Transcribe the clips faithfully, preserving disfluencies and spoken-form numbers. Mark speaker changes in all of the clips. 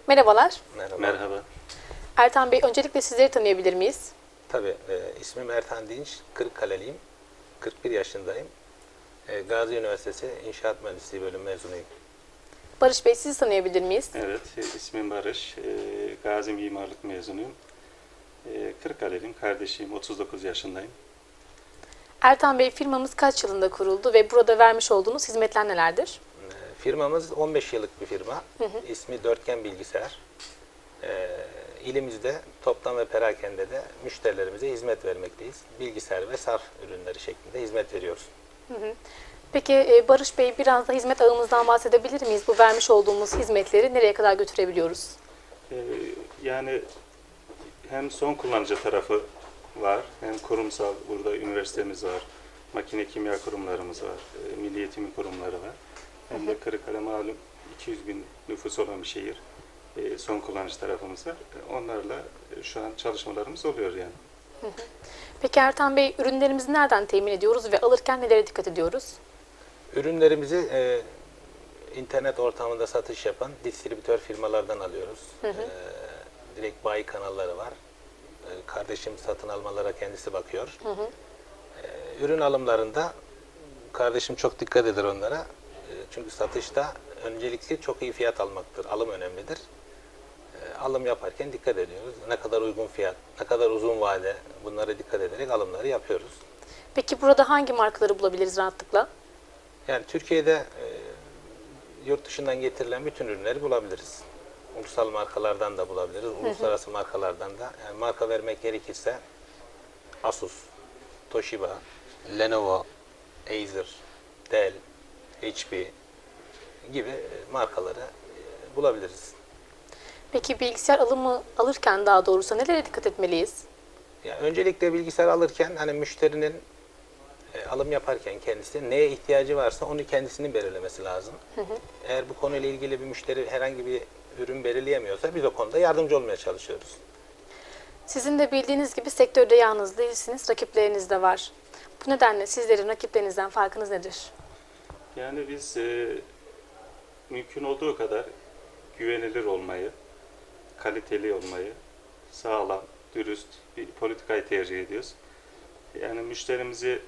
Speaker 1: Merhabalar.
Speaker 2: Merhaba.
Speaker 3: Merhaba.
Speaker 1: Ertan Bey, öncelikle sizleri tanıyabilir miyiz?
Speaker 2: Tabii, e, ismim Ertan Dinç, Kırıkkaleliyim, kırk bir yaşındayım. E, Gazi Üniversitesi İnşaat Mühendisliği bölüm mezunuyum.
Speaker 1: Barış Bey, sizi tanıyabilir miyiz?
Speaker 3: Evet, e, ismim Barış. E, Gazi Mimarlık mezunuyum. E, Kırıkkaleliyim, kardeşiyim, otuz dokuz yaşındayım.
Speaker 1: Ertan Bey, firmamız kaç yılında kuruldu ve burada vermiş olduğunuz hizmetler nelerdir?
Speaker 2: E, firmamız on beş yıllık bir firma. Hı hı. İsmi Dörtgen Bilgisayar. E, ilimizde toptan ve perakende de müşterilerimize hizmet vermekteyiz. Bilgisayar ve sarf ürünleri şeklinde hizmet veriyoruz.
Speaker 1: Hı hı. Peki e, Barış Bey, biraz da hizmet ağımızdan bahsedebilir miyiz? Bu vermiş olduğumuz hizmetleri nereye kadar götürebiliyoruz?
Speaker 3: E, yani hem son kullanıcı tarafı var, hem kurumsal, burada üniversitemiz var, makine kimya kurumlarımız var, e, milli eğitim kurumları var. Hem de Kırıkkale malum iki yüz bin nüfus olan bir şehir. E, son kullanıcı tarafımız var. E, onlarla e, şu an çalışmalarımız oluyor yani.
Speaker 1: Hı hı. Peki Ertan Bey, ürünlerimizi nereden temin ediyoruz ve alırken nelere dikkat ediyoruz?
Speaker 2: Ürünlerimizi e, internet ortamında satış yapan distribütör firmalardan alıyoruz. Hı hı. E, direkt bayi kanalları var. E, kardeşim satın almalara kendisi bakıyor. Hı hı. E, ürün alımlarında kardeşim çok dikkat eder onlara. E, çünkü satışta öncelikli çok iyi fiyat almaktır. Alım önemlidir. E, alım yaparken dikkat ediyoruz. Ne kadar uygun fiyat, ne kadar uzun vade, bunlara dikkat ederek alımları yapıyoruz.
Speaker 1: Peki burada hangi markaları bulabiliriz rahatlıkla?
Speaker 2: Yani Türkiye'de e, yurt dışından getirilen bütün ürünleri bulabiliriz. Ulusal markalardan da bulabiliriz, uluslararası hı hı. markalardan da. Yani marka vermek gerekirse Asus, Toshiba, Lenovo, Acer, Dell, H P gibi markaları e, bulabiliriz.
Speaker 1: Peki bilgisayar alımı alırken daha doğrusu nelere dikkat etmeliyiz?
Speaker 2: Yani öncelikle bilgisayar alırken hani müşterinin e, alım yaparken kendisi neye ihtiyacı varsa onu kendisinin belirlemesi lazım. Hı hı. Eğer bu konuyla ilgili bir müşteri herhangi bir ürün belirleyemiyorsa biz o konuda yardımcı olmaya çalışıyoruz.
Speaker 1: Sizin de bildiğiniz gibi sektörde yalnız değilsiniz, rakipleriniz de var. Bu nedenle sizlerin rakiplerinizden farkınız nedir?
Speaker 3: Yani biz e, mümkün olduğu kadar güvenilir olmayı, kaliteli olmayı, sağlam, dürüst bir politikayı tercih ediyoruz. Yani müşterimizi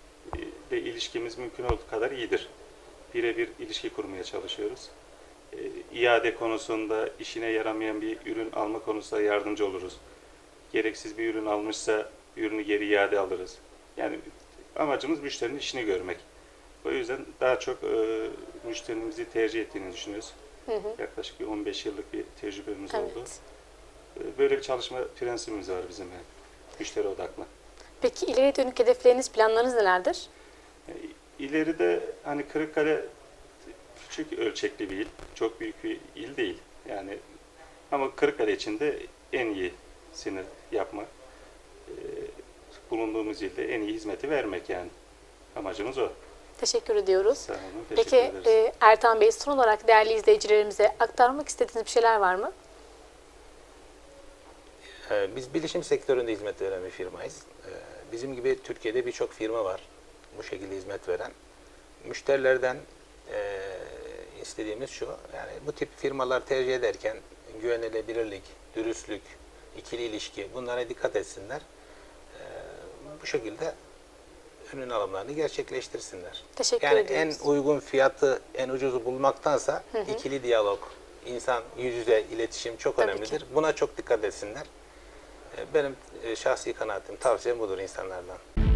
Speaker 3: de ilişkimiz mümkün olduğu kadar iyidir. Birebir ilişki kurmaya çalışıyoruz. E, iade konusunda işine yaramayan bir ürün alma konusunda yardımcı oluruz. Gereksiz bir ürün almışsa ürünü geri iade alırız. Yani amacımız müşterinin işini görmek. O yüzden daha çok e, müşterimizi tercih ettiğini düşünüyoruz. Hı hı. Yaklaşık bir on beş yıllık bir tecrübemiz evet. oldu. E, böyle bir çalışma prensibimiz var bizim yani. Müşteri odaklı.
Speaker 1: Peki ileriye dönük hedefleriniz, planlarınız nelerdir?
Speaker 3: E, ileride hani Kırıkkale küçük ölçekli bir il, çok büyük bir il değil. Yani ama Kırıkkale için de en iyisini yapmak, e, bulunduğumuz ilde en iyi hizmeti vermek yani. Amacımız o.
Speaker 1: Teşekkür ediyoruz.
Speaker 3: Sağ olun, teşekkür
Speaker 1: Peki
Speaker 3: ederiz.
Speaker 1: e, Ertan Bey, son olarak değerli izleyicilerimize aktarmak istediğiniz bir şeyler var mı?
Speaker 2: Ee, biz bilişim sektöründe hizmet veren bir firmayız. Ee, bizim gibi Türkiye'de birçok firma var bu şekilde hizmet veren. Müşterilerden e, istediğimiz şu, yani bu tip firmalar tercih ederken güvenilirlik, dürüstlük, ikili ilişki bunlara dikkat etsinler. Ee, bu şekilde ürün alımlarını gerçekleştirsinler.
Speaker 1: Teşekkür
Speaker 2: yani
Speaker 1: ediyoruz.
Speaker 2: En uygun fiyatı, en ucuzu bulmaktansa hı hı. ikili diyalog, insan yüz yüze iletişim çok
Speaker 1: Tabii
Speaker 2: önemlidir.
Speaker 1: ki.
Speaker 2: Buna çok dikkat etsinler. Benim şahsi kanaatim, tavsiyem budur insanlardan.